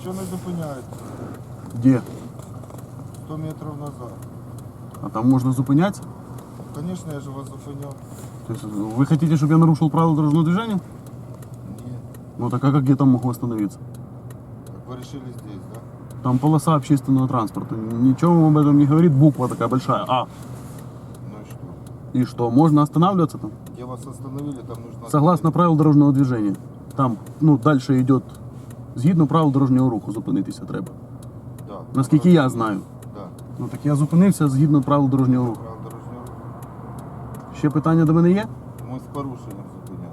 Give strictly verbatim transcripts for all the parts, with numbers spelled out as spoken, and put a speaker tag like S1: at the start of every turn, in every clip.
S1: Чого не зупиняєте?
S2: Где?
S1: сто метрів назад.
S2: А там можно зупинять?
S1: Звісно, я ж вас зупиняв.
S2: То есть вы хотите, чтобы я нарушил правила дорожного движения?
S1: Ні.
S2: Ну так а как я там могу остановиться?
S1: Так ви вирішили здесь, да?
S2: Там полоса общественного транспорта. Ничего вам об этом не говорит. Буква такая большая. А.
S1: Ну і що?
S2: И что, можно останавливаться там?
S1: Где вас остановили, там нужно...
S2: Согласно правил дорожного движения. Там, ну, дальше идет, згідно правил дорожнього руху, зупинитися треба.
S1: Да.
S2: Наскільки я знаю.
S1: Да.
S2: Ну так я зупинився згідно правил дорожнього руху.
S1: Правил дорожнього руху.
S2: Ще питання до мене є?
S1: Ми з порушенням зупиняли.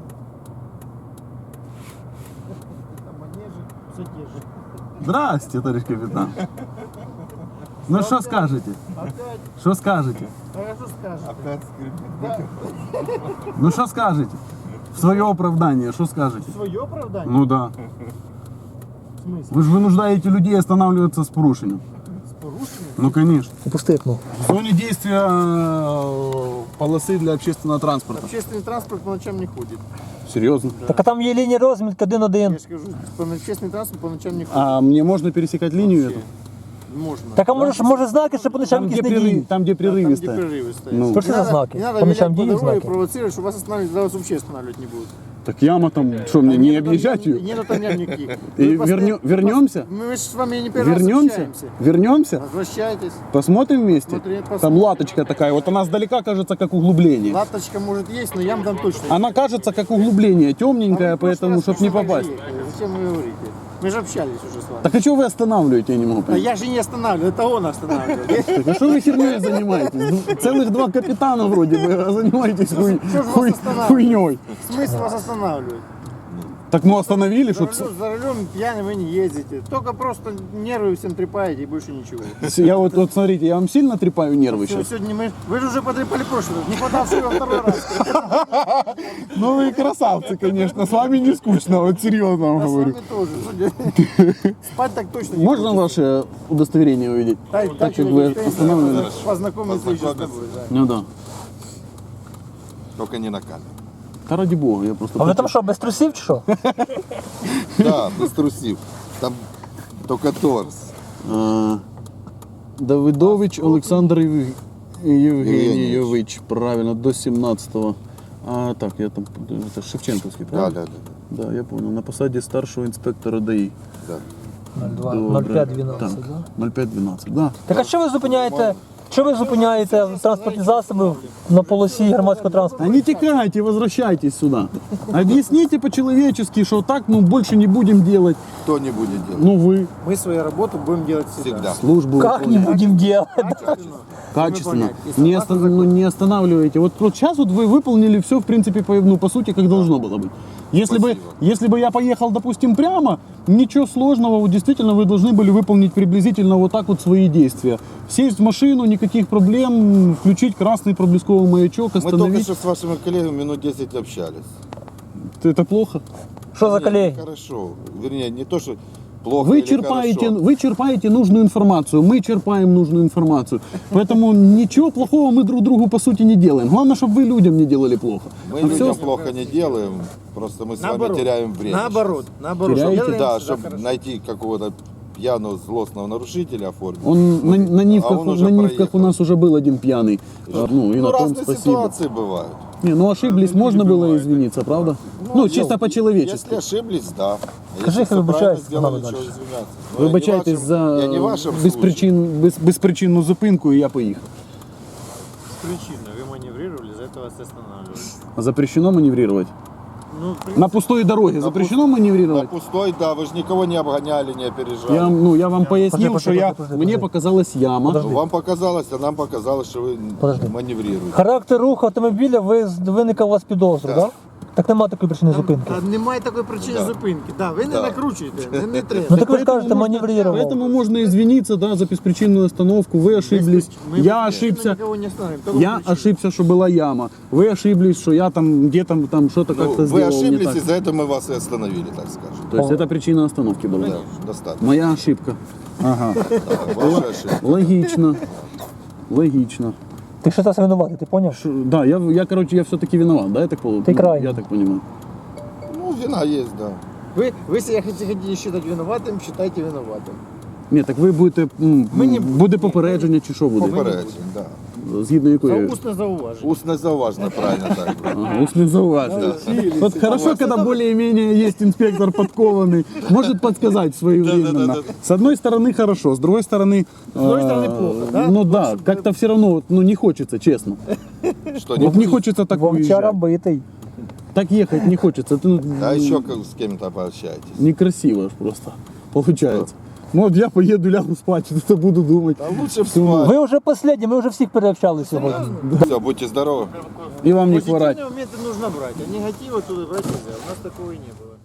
S2: Здрасте, товарищ капитан. Ну що скажете? Що скажете?
S3: А що скажете?
S1: Опять скрипит.
S2: Ну що скажете? В своє оправдання, що скажете?
S3: Своє оправдання?
S2: Ну да.
S3: В смысле?
S2: Ви ж вынуждаете людей останавливаться з порушенням.
S3: З порушенням?
S2: Ну конечно.
S4: Пусти окно.
S2: В зоне действия э, полосы для общественного транспорта.
S3: Общественный транспорт по ночам не ходит.
S2: Серьезно?
S4: Так а там є лінія розмітки один-один.
S3: Я же кажу, по- общественный транспорт по ночам не ходит.
S2: А мне можно пересекать линию эту?
S3: Можно.
S4: Так а може, може знаки, що по ночам
S2: Там, где,
S4: якісь не
S2: прерыв,
S4: діють?
S2: там, где
S3: Да, там,
S2: прерывистая.
S3: где прерывы стоят.
S2: Ну.
S3: Не
S4: Что за
S3: надо-
S4: знаки?
S3: Не надо
S4: По
S3: вилять
S4: ночам
S3: по
S4: діють
S3: дороге и
S4: знаки?
S3: провоцировать, чтобы вас останавливать, тогда вас вообще останавливать не будут.
S2: Так яма там, что мне, не
S3: Нету там
S2: объезжать
S3: ям-
S2: ее?
S3: Нету там ям никаких.
S2: И
S3: Вы постоянно-
S2: вернё- вернемся?
S3: Мы же с вами не первый раз
S2: Вернемся?
S3: общаемся.
S2: Вернемся?
S3: Возвращайтесь.
S2: Посмотрим вместе?
S3: Смотри,
S2: Там
S3: посмотрим.
S2: латочка такая, вот она сдалека кажется как углубление.
S3: Латочка может есть, но ям там точно нет.
S2: Она кажется как углубление,
S3: А
S2: темненькая,
S3: вы в прошлый
S2: поэтому,
S3: раз
S2: чтобы не
S3: точно так же
S2: попасть.
S3: ехали. Зачем вы говорите? Мы же общались уже с вами.
S2: Так а что вы останавливаете, я не могу
S3: А
S2: понять.
S3: я же не останавливаю, это он останавливает.
S2: Так а что вы херней занимаетесь? Ну, целых два капитана вроде бы, а занимаетесь хуй,
S3: Что ж вас
S2: хуй,
S3: останавливает?
S2: хуйней.
S3: Смысл вас останавливать?
S2: Так ну остановили,
S3: За
S2: чтоб...
S3: рулем, за рулем пьяный вы не ездите. Только просто нервы всем трепаете и больше ничего.
S2: Я вот, вот смотрите, я вам сильно трепаю нервы
S3: Всё,
S2: сейчас?
S3: сегодня мы... Вы же уже потрепали в прошлый раз. Не хватало, что вы второй раз.
S2: Ну вы красавцы, конечно, с вами не скучно, вот серьезно вам
S3: А с
S2: говорю.
S3: вами тоже. судя. Спать так точно не
S2: Можно
S3: хочется.
S2: ваше удостоверение увидеть?
S3: Дай-
S2: Так
S3: дай
S2: как
S3: человеку
S2: вы
S3: стоит,
S2: останавливали?
S3: Познакомиться еще с тобой. Да.
S2: Ну да.
S1: Только не на камеру.
S2: Да ради бога, я просто...
S4: А ви
S2: хочу-
S4: там що, без трусів чи що?
S1: Да, без трусів. Там только торс.
S2: А, Давидович Олександр Єв- Євгенійович, правильно, до сімнадцятого. А так, я там, это Шевченковский,
S1: Да,
S2: правильно?
S1: да, да.
S2: Да, я понял, на посаді старшого інспектора ДАІ.
S1: да.
S4: ноль п'ять дванадцять,
S2: Так,
S4: да?
S2: ноль п'ять дванадцять, да.
S4: Так а що ви зупиняєте? Що ви зупиняєте транспортні засоби на полосі громадського транспорту?
S2: А не текайте, возвращайтесь сюда. Объясните по-человечески, что так, ну, больше не будем делать.
S1: Кто не будет делать?
S2: Ну, вы
S3: Мы свою работу будем делать всегда.
S1: Всегда.
S2: службу
S4: Как не
S2: выполняете.
S4: будем делать?
S2: Качественно.
S3: Выполнять. И
S2: Не,
S3: согласно
S2: оста- ну, не останавливайте. Вот, вот сейчас вот вы выполнили все, в принципе, по, ну, по сути, как должно было быть. Если бы,
S1: Спасибо.
S2: если бы я поехал, допустим, прямо, ничего сложного, вот, действительно, вы должны были выполнить приблизительно вот так вот свои действия. Сесть в машину, никаких проблем, включить красный проблесковый маячок,
S1: Мы только
S2: остановить.
S1: что с вашими коллегами минут десять общались.
S2: Это плохо?
S4: Що за
S1: Нет,
S4: колеги?
S1: Хорошо. Вернее, не то, что плохо
S2: Вы
S1: или
S2: черпаете,
S1: хорошо.
S2: вы черпаете нужную информацию, мы черпаем нужную информацию. Поэтому ничего плохого мы друг другу по сути не делаем. Главное, чтобы вы людям не делали плохо.
S1: Мы
S2: А
S1: людям
S2: всё-
S1: плохо не делаем, просто мы с вами
S3: Наоборот.
S1: теряем время.
S3: Наоборот. Наоборот.
S2: Теряете?
S3: Делаем
S1: Да,
S3: всегда
S1: чтобы
S3: хорошо.
S1: найти какого-то пьяного злостного нарушителя оформить.
S2: Он на, на нивках,
S1: А он уже
S2: на нивках у
S1: проехал.
S2: нас уже был один пьяный. А, Ну и
S1: Ну,
S2: на том
S1: разные
S2: спасибо.
S1: ситуации бывают.
S2: Не, ну ошиблись, можно было извиниться, правда? Ну, чисто
S1: Если
S2: по-человечески.
S1: ошиблись, да. А
S4: Скажи,
S1: если
S4: я
S1: всё правильно
S4: вибачаюсь,
S1: сделали,
S4: надо
S1: чего
S4: дальше.
S1: извиняться? Ну, я не
S2: Вибачайтесь
S1: вашим-
S2: за
S1: Я не в вашем случае.
S2: безпричин, без, безпричинну зупинку, і я поїхав.
S3: Причина. Вы маневрировали, за это вас останавливали.
S2: Запрещено маневрировать?
S3: Ну, в принципе,
S2: На пустой дороге запрещено
S1: На
S2: маневрировать?
S1: пустой, да, вы же никого не обгоняли, не опережали.
S2: Я, вам- ну, я вам пояснил,
S4: Подожди,
S2: что
S4: подожди,
S2: я,
S4: подожди,
S2: мне
S4: подожди.
S2: показалась яма.
S4: Подожди.
S1: Ну, вам показалось, а нам показалось, что вы
S4: Подожди.
S1: маневрируете.
S4: Характер руху автомобіля ви, виникав у вас підозру, так?
S1: Так.
S4: Да? Так нема такої причини зупинки.
S3: Та немає такої причини
S1: Да.
S3: зупинки. Да, ви не
S1: Да.
S3: накручуєте, не, не треба.
S4: Ну так ви ж
S2: Поэтому
S4: кажете,
S2: можно-
S4: маневрировал.
S2: Поэтому можно извиниться, да, за беспричинную остановку. Вы ошиблись,
S3: Мы
S2: я
S3: мы
S2: ошибся.
S3: никого не остановим, только
S2: Я
S3: причину.
S2: ошибся, что была яма. Вы ошиблись, что я там где-то там что-то
S1: Ну,
S2: как-то
S1: вы
S2: сделал не
S1: ошиблись,
S2: так.
S1: и за это мы вас и остановили, так скажем.
S2: То есть это причина остановки была.
S1: Да, достаточно.
S2: Моя ошибка. Ага.
S1: Да, ваша ошибка.
S2: Логично. Логично.
S4: Ти що зараз винуватий, ти поняв?
S2: Ш- Да, я, я, короче, я все-таки виноват, да, я так, пол-
S4: Ты крайний.
S2: я так понимаю.
S1: Ну, вина есть, да.
S3: Вы, вы себя хотите, хотите считать виноватым, считайте виноватым.
S2: Ні, так ви будете, м,
S3: Ми не-
S2: буде попередження чи що буде?
S1: Попереджень, да.
S2: Згідно
S3: За
S2: якої?
S3: устное зауважение.
S1: Усне зауважено, правильно так.
S2: Ага, усне зауваження. Вот хорошо, когда более-менее есть инспектор подкованный, может подсказать своевременно. С одной стороны хорошо, с другой стороны... С
S3: другой стороны плохо, да?
S2: Ну да, как-то все равно вот, ну, не хочется, честно.
S1: Что,
S2: Вот не хочется так
S4: Вовчара
S2: уезжать.
S4: битий.
S2: Так ехать не хочется. Это, ну,
S1: А еще как с кем-то пообщаетесь.
S2: некрасиво ж просто получается. Ну вот я поеду, лягу спать, что-то буду думать.
S1: А лучше в спать.
S4: Ви вже останні, ми вже всіх переобщали сьогодні.
S1: Все, будьте здоровы.
S2: И вам не хворать.
S3: Позитивные моменты нужно брать, а негатива туда брать нельзя. У нас такого и не было.